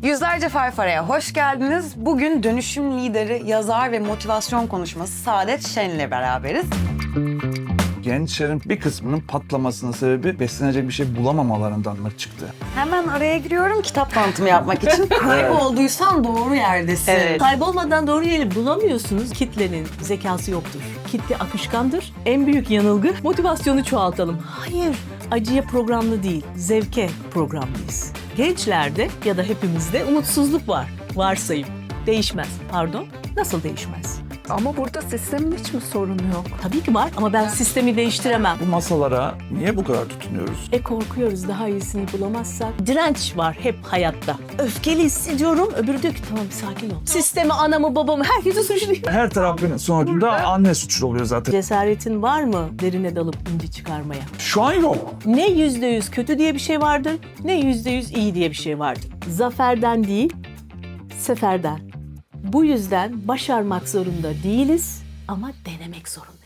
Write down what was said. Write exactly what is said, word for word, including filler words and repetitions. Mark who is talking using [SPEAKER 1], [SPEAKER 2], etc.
[SPEAKER 1] Yüzlerce Farfara'ya hoş geldiniz. Bugün dönüşüm lideri, yazar ve motivasyon konuşması Saadet Şen'le beraberiz.
[SPEAKER 2] Gençlerin bir kısmının patlamasının sebebi beslenecek bir şey bulamamalarından mı çıktı?
[SPEAKER 1] Hemen araya giriyorum kitap tanıtımı yapmak için. Kaybolduysan doğru yerdesin.
[SPEAKER 3] Evet. Kaybolmadan doğru yeri bulamıyorsunuz. Kitlenin zekası yoktur. Kitle akışkandır. En büyük yanılgı motivasyonu çoğaltalım. Hayır, acıya programlı değil, zevke programlıyız. Gençlerde ya da hepimizde umutsuzluk var. Varsayım. Değişmez. Pardon, nasıl değişmez?
[SPEAKER 4] Ama burada sistemin hiç mi sorunu yok?
[SPEAKER 3] Tabii ki var ama ben sistemi değiştiremem.
[SPEAKER 2] Bu masalara niye bu kadar tutunuyoruz?
[SPEAKER 3] E korkuyoruz daha iyisini bulamazsak. Direnç var hep hayatta. Öfkeli hissediyorum, öbürü diyor ki tamam sakin ol. Sistemi, anamı, babamı, herkesi suçluyor.
[SPEAKER 2] Her terapinin sonucunda anne suçlu oluyor zaten.
[SPEAKER 3] Cesaretin var mı derine dalıp inci çıkarmaya?
[SPEAKER 2] Şu an yok.
[SPEAKER 3] Ne yüzde yüz kötü diye bir şey vardır, ne yüzde yüz iyi diye bir şey vardır. Zaferden değil, seferden. Bu yüzden başarmak zorunda değiliz ama denemek zorundayız.